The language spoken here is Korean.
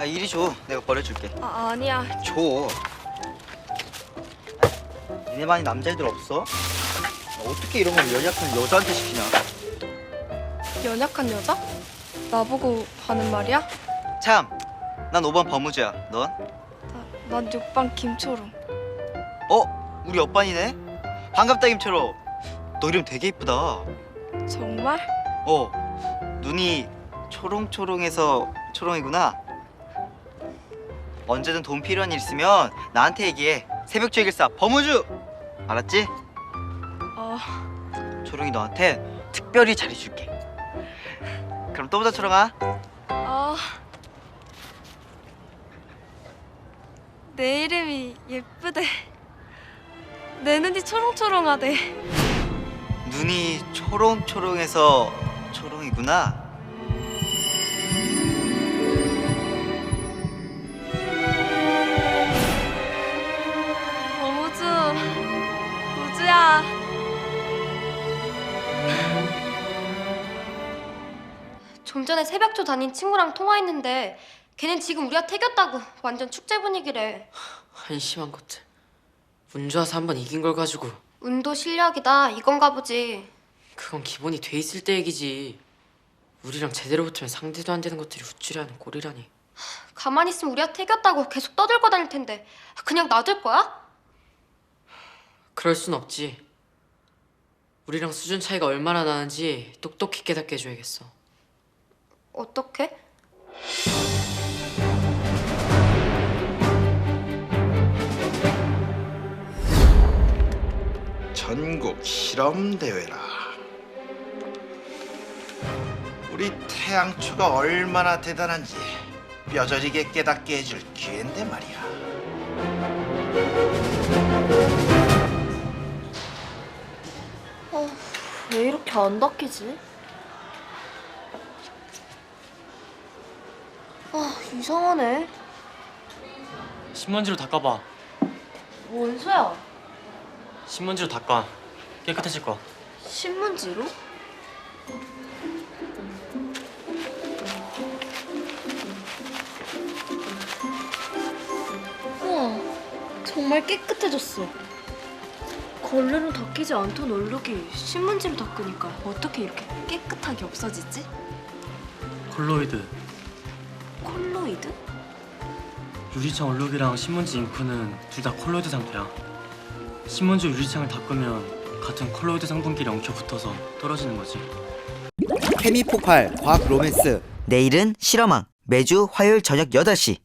이리 줘. 내가 버려줄게. 아니야. 줘. 니네 반에 남자애들 없어? 어떻게 이런 걸 연약한 여자한테 시키냐? 연약한 여자? 나보고 하는 말이야? 참, 난 5번 범우주야. 넌? 난 6반 김초롱. 우리 옆반이네? 반갑다 김철호. 너 이름 되게 이쁘다. 정말? 눈이 초롱초롱해서 초롱이구나. 언제든 돈 필요한 일 있으면 나한테 얘기해. 새벽 주의길사 범우주. 알았지? 초롱이 너한테 특별히 잘해줄게. 그럼 또 보자 초롱아. 내 이름이 예쁘대. 내 눈이 초롱초롱하대. 눈이 초롱초롱해서 초롱이구나. 범우주, 우주야. 좀 전에 새벽조 다닌 친구랑 통화했는데 걔는 지금 우리가 태겼다고 완전 축제 분위기래. 한심한 것들. 운 좋아서 한 번 이긴 걸 가지고. 운도 실력이다 이건가 보지. 그건 기본이 돼 있을 때 얘기지. 우리랑 제대로 붙으면 상대도 안 되는 것들이 우쭐해 하는 꼴이라니. 가만히 있으면 우리가 태겼다고 계속 떠들고 다닐 텐데 그냥 놔둘 거야? 그럴 순 없지. 우리랑 수준 차이가 얼마나 나는지 똑똑히 깨닫게 해줘야겠어. 어떻게? 전국 실험 대회라. 우리 태양초가 얼마나 대단한지 뼈저리게 깨닫게 해줄 기회인데 말이야. 왜 이렇게 안 닦이지? 이상하네. 신문지로 닦아봐. 원소야, 신문지로 닦아. 깨끗해질 거야. 신문지로? 우와, 정말 깨끗해졌어. 걸레로 닦이지 않던 얼룩이 신문지로 닦으니까 어떻게 이렇게 깨끗하게 없어지지? 콜로이드. 콜로이드? 유리창 얼룩이랑 신문지 잉크는 둘 다 콜로이드 상태야. 신문지 유리창을 닦으면 같은 콜로이드 성분끼리 엉켜 붙어서 떨어지는 거지. 케미 폭발 과학 로맨스. 내일은 실험왕. 매주 화요일 저녁 8시.